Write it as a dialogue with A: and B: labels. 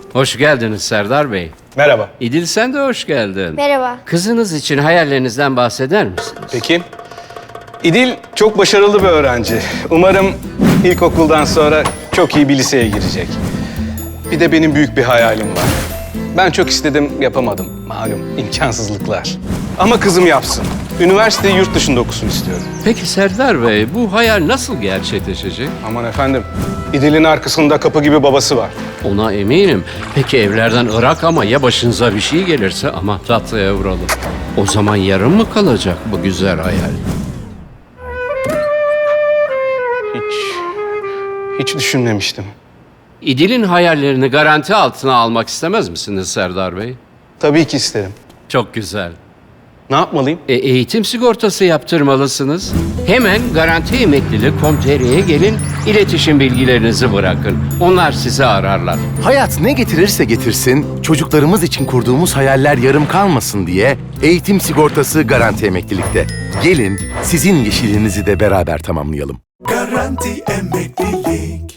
A: Hoş geldiniz Serdar Bey.
B: Merhaba.
A: İdil sen de hoş geldin.
C: Merhaba.
A: Kızınız için hayallerinizden bahseder misiniz?
B: Peki. İdil çok başarılı bir öğrenci. Umarım ilkokuldan sonra çok iyi bir liseye girecek. Bir de benim büyük bir hayalim var. Ben çok istedim, yapamadım. Malum imkansızlıklar. Ama kızım yapsın. Üniversiteyi yurt dışında okusun istiyorum.
A: Peki Serdar Bey, bu hayal nasıl gerçekleşecek?
B: Aman efendim, İdil'in arkasında kapı gibi babası var.
A: Ona eminim. Peki evlerden Irak ama ya başınıza bir şey gelirse ama tatlıya vuralım. O zaman yarım mı kalacak bu güzel hayal?
B: Hiç düşünmemiştim.
A: İdil'in hayallerini garanti altına almak istemez misiniz Serdar Bey?
B: Tabii ki isterim.
A: Çok güzel.
B: Ne yapmalıyım?
A: Eğitim sigortası yaptırmalısınız. Hemen garantiemeklilik.com.tr'ye gelin, iletişim bilgilerinizi bırakın. Onlar sizi ararlar.
D: Hayat ne getirirse getirsin, çocuklarımız için kurduğumuz hayaller yarım kalmasın diye eğitim sigortası Garanti Emeklilik'te. Gelin sizin yeşilinizi de beraber tamamlayalım.
E: Garanti emeklilik.